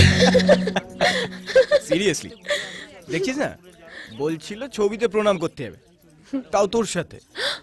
Seriously দেখছিস না, বলছিল ছবিতে প্রণাম করতে হবে, তাও তোর সাথে।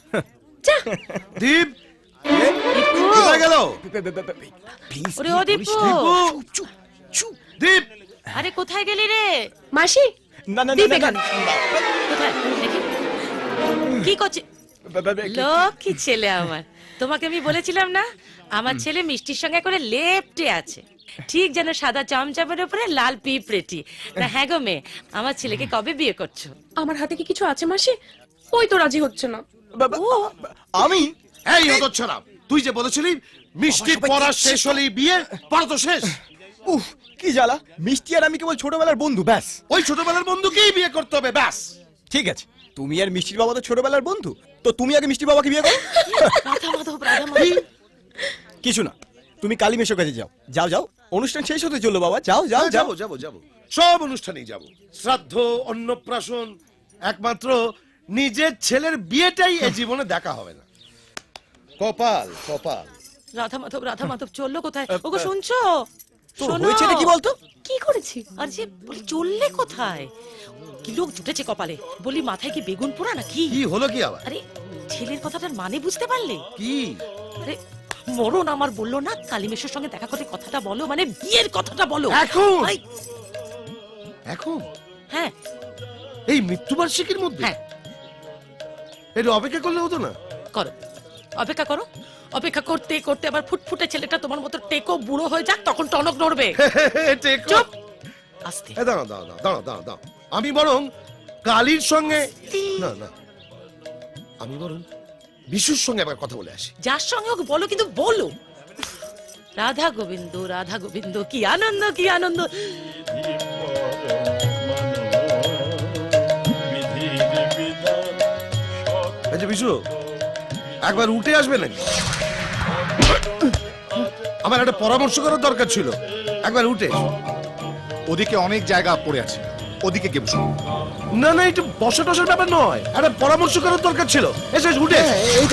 দীপ কোথায় গেল? প্লিজ ওরে ও দীপু, চুপ চুপ। দীপ আরে কোথায় গেলি রে? মাসি না না দীপ না এখানে। কোথায় দেখি কি করছিস? লক্ষ্মী ছেলে আমার, তোমাকে আমি বলেছিলাম না আমার ছেলে মিষ্টির সঙ্গে করে লেপ্টে আছে, ঠিক যেন সাদা চমচমের উপরে লাল পিঁপড়েটি। না হ্যাঁ গো মেয়ে, আমার ছেলেকে কবে বিয়ে করছো? আমার হাতে কি কিছু আছে মাসি? ওই তো রাজি হচ্ছে না। আমি এই হতচ্ছাড়া, তুই যে বলেছিলি মিষ্টি পড়া শেষ হলেই বিয়ে, পড়া তো শেষ। উফ কি জ্বালা, মিষ্টি আর আমি কেবল ছোটবেলার বন্ধু, ব্যাস। ওই ছোটবেলার বন্ধুকেই বিয়ে করতে হবে, ব্যাস। ঠিক আছে, তুমি আর মিষ্টির বাবা তো ছোটবেলার বন্ধু, তো তুমি আগে মিষ্টির বাবাকে বিয়ে করো। রাধা মাধব, রাধা মাধব। কিছু না, তুমি কালী মেশোর কাছে যাও, যাও যাও, অনুষ্ঠান শেষ হতে চললো বাবা, যাও যাও যাও। যাবো যাবো যাবো, সব অনুষ্ঠানেই যাবো। শ্রাদ্ধ, অন্নপ্রাশন, একমাত্র নিজের ছেলের বিয়েটাই এ জীবনে দেখা হবে না। কপাল কপাল। রাধা মাধব চললো কোথায়? ওগো শুনছো? তো শোনো। হয়েছে কি বলতো? কি করেছি? আর যে বলি চললে কোথায়? কি লোক জুটেছে কপালে, বলি মাথায় কি বেগুন পোড়া নাকি? কি হলো কি আবার? আরে ছেলের কথাটার মানে বুঝতে পারলে? কি? আরে মরণ আমার বললো না কালিমেশের সঙ্গে দেখা করতে, কথাটা বলো, মানে বিয়ের কথাটা বলো এখন? ভাই, এখন হ্যাঁ এই মৃত্যুবার্ষিকীর মধ্যে? হ্যাঁ এটা অপেক্ষা করলে হতো না? করো, অপেক্ষা করো। অপেক্ষা করতে করতে আবার ফুটফুটে ছেলেটা তোমার মতো টেকো বুড়ো হয়ে যাক, তখন টনক নড়বে। চুপ, আস্তে। দাঁড়াও দাঁড়াও দাঁড়াও দাঁড়াও দাঁড়াও, আমি বরং কালীর সঙ্গে, না না, আমি বরং বিশুর সঙ্গে একবার কথা বলে আসি। যার সঙ্গে হোক বলো, কিন্তু বলো। রাধা গোবিন্দ, রাধা গোবিন্দ, কি আনন্দ, কি আনন্দ। আচ্ছা বিশু, একবার উঠে আসবে নাকি? আমার একটা পরামর্শ করার দরকার ছিল, একবার উঠে এসো। ওদিকে অনেক জায়গা পড়ে আছে, ওদিকে গিয়ে বসো। না না, একটু বসা টসার ব্যাপার নয়, একটা পরামর্শ করার দরকার ছিল। এসে উঠে এসো।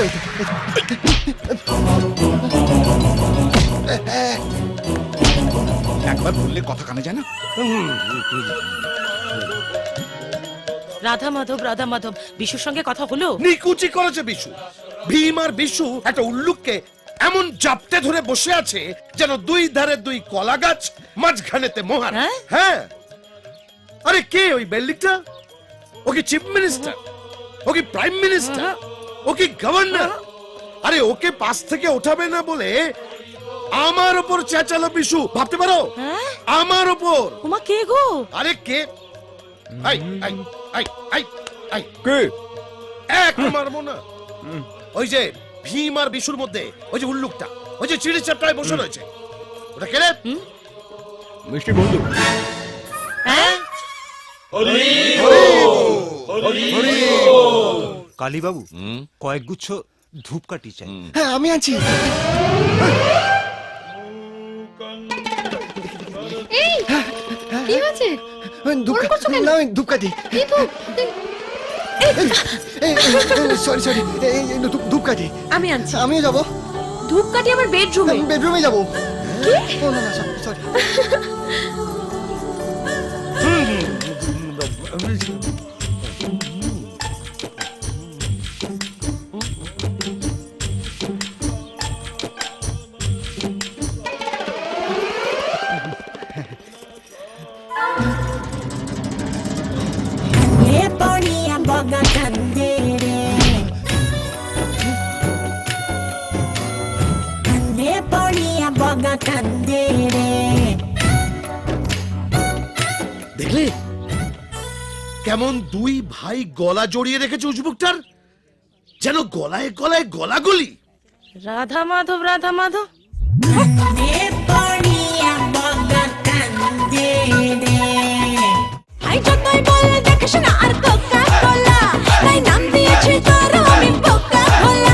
একবার বললে কথা কানে যায় না? রাধা মাধব, রাধা মাধব, বিশুর সঙ্গে কথা হলো? নিকুচি করেছে বিশু। ভীম আর বিশু একটা উল্লুককে এমন জাপটে ধরে বসে আছে যেন দুই ধারে দুই কলা গাছ, মাঝখানেতে মোহর। হ্যাঁ? হ্যাঁ। আরে কে ওই বেল্লিকটা? ও কি চিফ মিনিস্টার? ও কি প্রাইম মিনিস্টার? ও কি গভর্নর? আরে ওকে পাশ থেকে ওঠাবে না বলে আমার উপর চেঁচালো বিশু, ভাবতে পারো? হ্যাঁ? আমার উপর। ওমা কে গো? আরে কে? আই আই আই আই আই কে? এক মারবো না। ওই যে ভীম আর বিশুর মধ্যে ওই যে উল্লুকটা, ওই যে চিড়ি চাপটায় বসে রয়েছে, ওটা কে রে? মিষ্টি বন্ধু। হ্যাঁ? কালী বাবু, কয়েক গুচ্ছ ধূপকাঠি চাই। হ্যাঁ আমি আছি। এই কি হয়েছে? ধূপকাঠি। কি তো সরি সরি, ধূপকাঠি। আমি আনছি। আমিও যাবো, ধূপকাঠি আমার বেডরুমে। বেডরুমে যাবো। কি? না না সরি। দেখলে কেমন দুই ভাই গলা জড়িয়ে রেখেছে উজবুকটার, যেন গলায় গলায় গলাগলি। রাধা মাধব, রাধা মাধব।